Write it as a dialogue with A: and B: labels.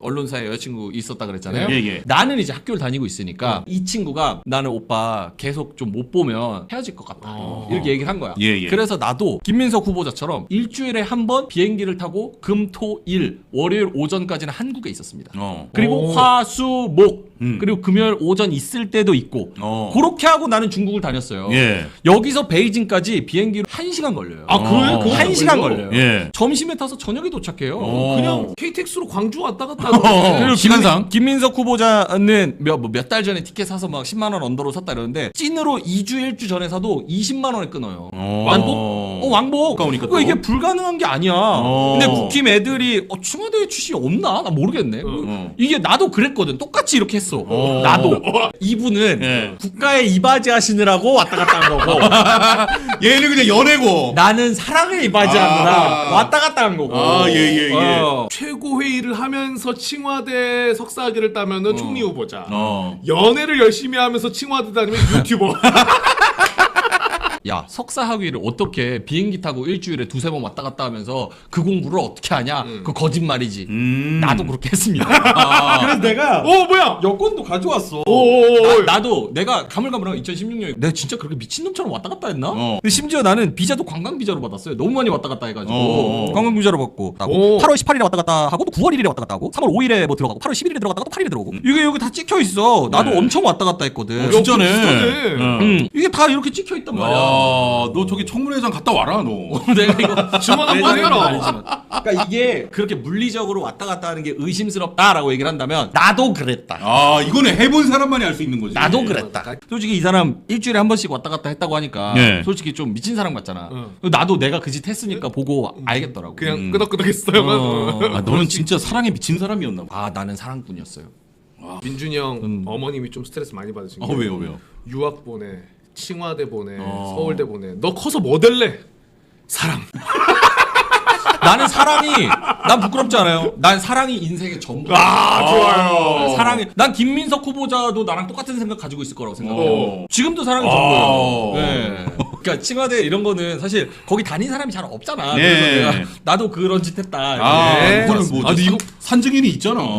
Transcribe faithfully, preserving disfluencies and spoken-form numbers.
A: 언론사에 여자친구 있었다 그랬잖아요.
B: 예, 예.
A: 나는 이제 학교를 다니고 있으니까 어. 이 친구가 나는 오빠 계속 좀 못 보면 헤어질 것 같다. 어. 이렇게 얘기를 한 거야.
B: 예, 예.
A: 그래서 나도 김민석 후보자처럼 일주일에 한 번 비행기를 타고 금, 토, 일, 월요일 오전까지는 한국에 있었습니다.
B: 어.
A: 그리고
C: 오.
A: 화, 수, 목
B: 음.
A: 그리고 금요일 오전 있을 때도 있고
B: 어.
A: 그렇게 하고 나는 중국을 다녔어요.
B: 예.
A: 여기서 베이징까지 비행기로 한 시간 걸려요.
C: 아 그래요?
B: 어.
C: 그거
A: 한 시간
C: 걸려?
A: 걸려요.
B: 예.
A: 점심에 타서 저녁에 도착해요.
B: 어.
C: 그냥 케이티엑스로 광주 왔다 갔다
B: 어.
C: 하는
A: 그리고
B: 시간상?
A: 김, 김민석 후보자는 몇 달 전에 티켓 사서 막 십만 원 언더로 샀다 이러는데 찐으로 이 주 일 주 전에 사도 이십만 원에 끊어요.
B: 어.
A: 왕복? 어 왕복.
B: 가까우니까
A: 그거
B: 또.
A: 이게 불가능한 게 아니야.
B: 어.
A: 근데 국힘 애들이 어, 청와대 출신이 없나? 나 모르겠네.
B: 어.
A: 이게 나도 그랬거든. 똑같이 이렇게 했어.
B: 어.
A: 나도. 이분은
B: 예.
A: 국가에 이바지 하시느라고 왔다 갔다 한 거고
B: 얘는 그냥 연애고.
A: 나는 사랑에 이바지하느라
B: 아.
A: 왔다 갔다 한 거고.
B: 아, 예, 예, 예.
A: 어.
C: 최고 회의를 하면서 칭화대 석사학위를 따면은 총리 후보자.
B: 어.
C: 연애를 열심히 하면서 칭화대 다니면 유튜버.
A: 야 석사 학위를 어떻게 비행기 타고 일주일에 두세 번 왔다 갔다 하면서 그 공부를 어떻게 하냐? 그 거짓말이지.
B: 음.
A: 나도 그렇게 했습니다.
B: 아.
A: 그래서 내가
C: 어 뭐야?
A: 여권도 가져왔어.
C: 오오오.
A: 나, 나도 내가 가물가물한 이천십육 년에 내가 진짜 그렇게 미친놈처럼 왔다 갔다 했나?
B: 어.
A: 근데 심지어 나는 비자도 관광 비자로 받았어요. 너무 많이 왔다 갔다 해가지고
B: 어.
A: 관광 비자로 받고
C: 오.
A: 팔월 십팔일에 왔다 갔다 하고 또 구월 일일에 왔다 갔다 하고 삼월 오일에 뭐 들어가고 팔월 십일일에 들어갔다가 또 팔일에 들어오고 이게 여기 다 찍혀 있어. 나도
B: 네.
A: 엄청 왔다 갔다 했거든.
B: 어, 진짜네.
C: 비슷하네.
B: 응.
A: 음, 이게 다 이렇게 찍혀 있단 말이야.
B: 아, 너 저기 청문회장 갔다 와라, 너.
A: 내가 이거
C: 주먹 한번 해라.
A: 아니지만. 그러니까 이게 그렇게 물리적으로 왔다 갔다 하는 게 의심스럽다라고 얘기를 한다면 나도 그랬다.
B: 아, 이거는 해본 사람만이 알 수 있는 거지.
A: 나도 그랬다. 솔직히 이 사람 일주일에 한 번씩 왔다 갔다 했다고 하니까
B: 네.
A: 솔직히 좀 미친 사람 같잖아.
C: 응.
A: 나도 내가 그 짓 했으니까 보고 알겠더라고.
C: 그냥
B: 음.
C: 끄덕끄덕했어요.
A: 어.
B: 아, 너는 진짜 사랑에 미친 사람이었나 봐.
A: 아 나는 사랑꾼이었어요.
C: 민준이 형
A: 음.
C: 어머님이 좀 스트레스 많이 받으신
B: 아,
C: 게
B: 왜요, 왜요?
C: 유학 보내, 칭화대 보내,
B: 어.
C: 서울대 보내. 너 커서 뭐 될래? 사랑.
A: 나는 사랑이 난 부끄럽지 않아요. 난 사랑이 인생의 전부.
C: 아 좋아요.
A: 사랑이 난 김민석 후보자도 나랑 똑같은 생각 가지고 있을 거라고 생각해요.
B: 어.
A: 지금도 사랑이
B: 아.
A: 전부예요. 네. 그러니까 칭화대 이런 거는 사실 거기 다닌 사람이 잘 없잖아.
B: 네.
A: 그래서 내가 나도 그런 짓 했다.
B: 아,
A: 이렇게
B: 그거는
A: 알았습니다.
B: 뭐,
C: 아, 근데
B: 산,
C: 이거-
B: 산증인이 있잖아.